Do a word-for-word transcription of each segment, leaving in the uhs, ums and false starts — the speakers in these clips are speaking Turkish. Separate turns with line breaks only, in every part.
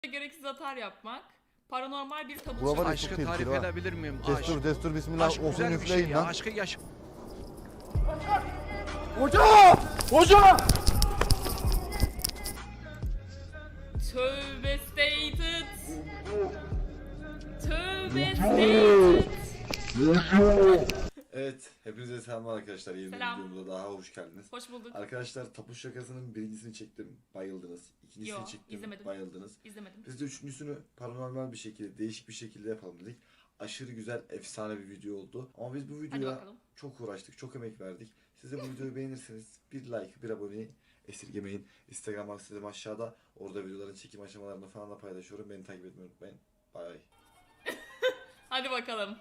Gereksiz atar yapmak. Paranormal bir tabut
Bura var ya,
çalmak.
çok
Aşkı tarif
tehlikeli ha.
edebilir miyim?
Destur
Aşk.
destur bismillah
Aşk
okuyun
güzel bir şey
üfleyin
ya.
lan.
Aşkı yaş...
Hoca! Hoca!
Tövbe stated. Tövbe stated.
Evet, hepinize selamlar arkadaşlar. Yeni bir
Selam.
videomuza daha hoş geldiniz.
Hoş bulduk.
Arkadaşlar tapu şakasının birincisini çektim, bayıldınız. İkincisini
Yo,
çektim,
izlemedim.
bayıldınız.
İzlemedim.
Biz de üçüncüsünü paranormal bir şekilde, değişik bir şekilde yapalım dedik. Aşırı güzel, efsane bir video oldu. Ama biz bu
Hadi
videoya
bakalım.
çok uğraştık, çok emek verdik. Siz de bu videoyu beğenirseniz bir like, bir aboneyi esirgemeyin. Instagram adresim aşağıda. Orada videoların çekim aşamalarını falan da paylaşıyorum. Beni takip etmeyi unutmayın. Bay.
Hadi bakalım.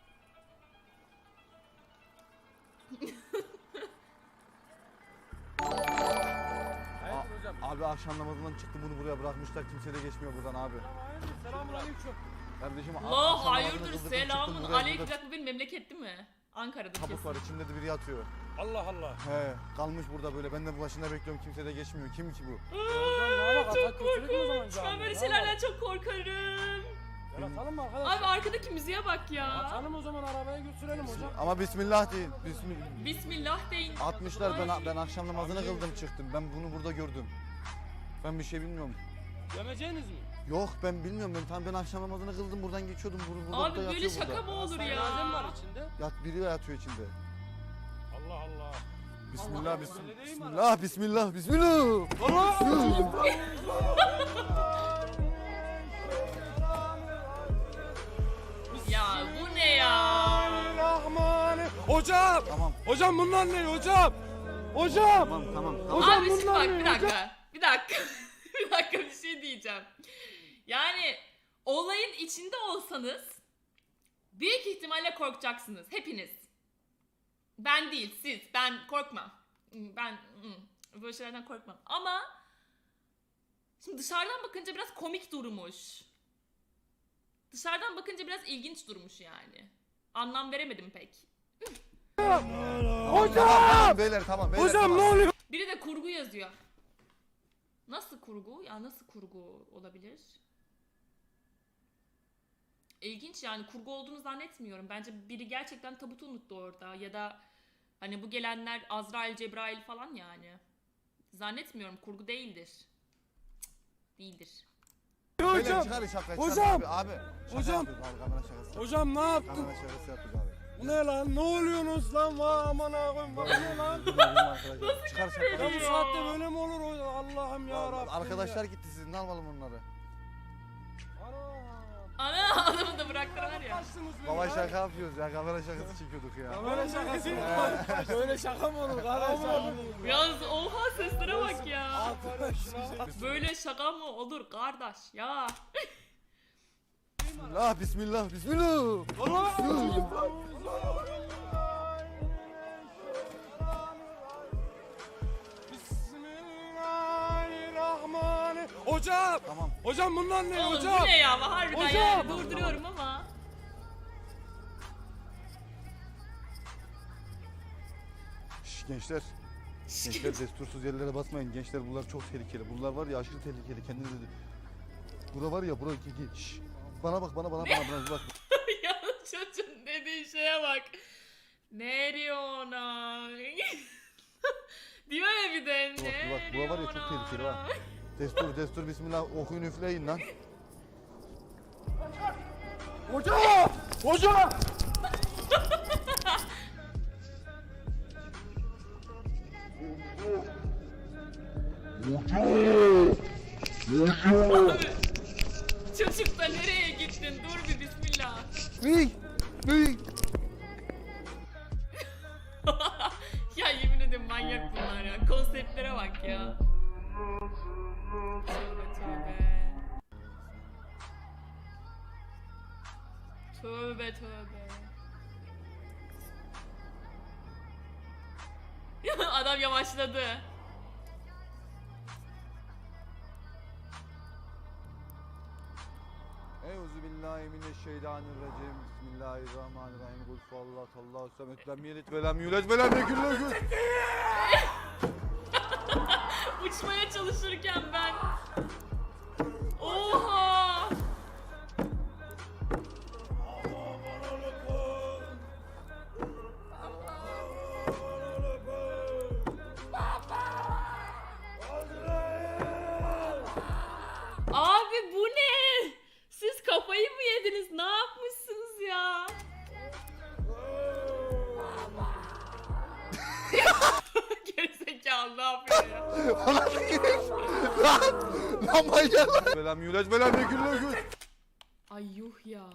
Abi akşam namazından çıktım, bunu buraya bırakmışlar, kimse de geçmiyor buradan abi.
Selamünaleyküm.
Kardeşim
Allah
akşam namazını
hayırdır,
kıldık, çıktım
selamun
buraya,
aleyküm.
burada
Bu benim memleket değil mi? Ankara'da
Tabut
kesin.
var, içimde de biri yatıyor.
Allah Allah.
He, kalmış burada böyle, ben de başında bekliyorum, kimse de geçmiyor. Kim ki bu?
Hocam ne bak,
Çok
atak kötülük mü o zaman
korkunç. Ben
cami?
böyle
Ne
şeylerden
bak?
çok korkarım.
Gel atalım mı arkadaşlar?
Abi arkadaki müziğe bak ya.
Atalım o zaman, arabaya götürelim hocam.
Ama bismillah değil. Bismillah.
Bismillah deyin.
Atmışlar, ben
Ay.
ben akşam namazını kıldım çıktım. Ben bunu burada gördüm. Ben bir şey bilmiyorum.
Gömeceğiniz mi?
Yok ben bilmiyorum, ben tam ben akşam namazını kıldım, buradan geçiyordum. Burada, burada
Abi
da
böyle
yatıyor
şaka
burada.
mı olur
Cenaze mi var
ya?
içinde?
Yat, biri yatıyor içinde.
Allah Allah.
Bismillah,
Allah.
bismillah,
Öyle değil mi
bismillah, bismillah, bismillah.
Ya bu ne ya?
Bismillahirrahmanirrahim. Hocam!
Tamam,
Hocam bunlar ne hocam? Hocam!
tamam, tamam, tamam.
Hocam
Abi şimdi
bunlar
bak
ne
bir dakika. Bir dakika. bir dakika bir şey diyeceğim. Yani olayın içinde olsanız büyük ihtimalle korkacaksınız hepiniz. Ben değil siz. Ben korkmam. Ben ı, böyle şeylerden korkmam. Ama şimdi dışarıdan bakınca biraz komik durmuş. Dışarıdan bakınca biraz ilginç durmuş yani. Anlam veremedim pek.
Tamam,
Hocam!
tamam, beyler tamam, beyler
Hocam
tamam.
ne oluyor?
Biri de kurgu yazıyor. Nasıl kurgu? Ya nasıl kurgu olabilir? İlginç yani, kurgu olduğunu zannetmiyorum. Bence biri gerçekten tabutu unuttu orada ya da hani bu gelenler Azrail, Cebrail falan yani. Zannetmiyorum, kurgu değildir. Cık, değildir.
Beyler
Hocam!
çıkar şaka,
Hocam!
çıkar abi, abi. Şaka
Hocam!
yapıyoruz abi, kamera şakası.
Hocam ne yaptın?
Kamera şakası yapıyoruz abi.
Bu ne lan? Ne oluyorsunuz lan? Vay aman ağabeyim, bu ne lan?
Bizim arkadaşlar. Çıkar şaka.
Ya bu saatte böyle mi olur hocam? Allah'ım ya Rabbim.
Arkadaşlar gitti, siz ne alalım onları?
Ana adamı da bıraktılar ya.
Baba şaka yapıyoruz ya, kamera şakası çekiyorduk ya.
Kamera şakası mı? Böyle şaka mı olur kardeşim?
Yalnız oha seslere bak ya. Böyle şaka mı olur kardeş ya?
Bismillah, bismillah, bismillah.
Bismillahirrahmanirrahim. Hocam!
Tamam.
Hocam bunlar ne
Oğlum
hocam?
bu ne ya? Harbiden
Hocam!
yani durduruyorum ama.
Şş, gençler. Gençler destursuz yerlere basmayın. Gençler bunlar çok tehlikeli. Bunlar var ya aşırı tehlikeli. Kendinize de... Bura var ya, bura... Şş, bana bak, bana, bana, bana, bana bak.
Ya çocuğun dediği şeye bak. Ne diyor ona? Diyor ya bir de.
Bak,
Ne
bak, bura var ya çok
diyor
tehlikeli
ona?
ha. Destur, destur, bismillah. Okuyun üfleyin lan.
Hocam! Hocam!
Abi, çocuk da nereye gittin? Dur bir bismillah.
Büyük, büyük.
Ya yemin ederim manyak bunlar ya. Konseptlere bak ya. Tövbe tövbe. Tövbe tövbe. Adam yavaşladı.
Euzubillahimineşşeytanirracim. Bismillahirrahmanirrahim. Kul huvallahu Allahu samet. Lem yelid ve lem yulad ve lem yekun lehu.
Uçmaya çalışırken ben. Oha! görmediniz. Ne yapmışsınız ya? Gerizekalı ne yapıyor ya?
Lan! Lan manyak lan! Belam yulaç belam ne gülüyor gül.
Ay yuh ya.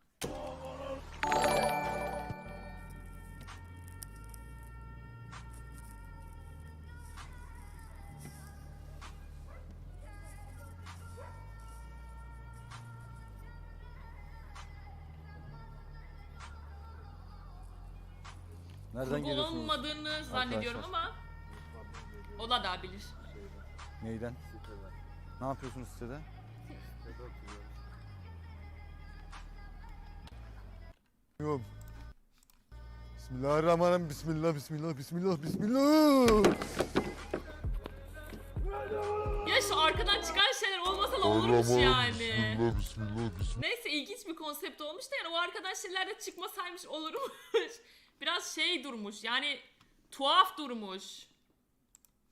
Nereden
Kurban
geliyorsunuz?
olmadığını zannediyorum ama Ola da bilir.
Neyden? Ne yapıyorsunuz sitede? Yok. Bismillahirrahmanirrahim. Bismillah, bismillah, bismillah, bismillah.
Ya şu arkadan çıkan şeyler olmasa da olurmuş yani.
Bismillah, bismillah, bismillah.
Neyse ilginç bir konsept olmuş da yani o arkadan şeyler de çıkmasaymış olurmuş. Biraz şey durmuş yani tuhaf durmuş.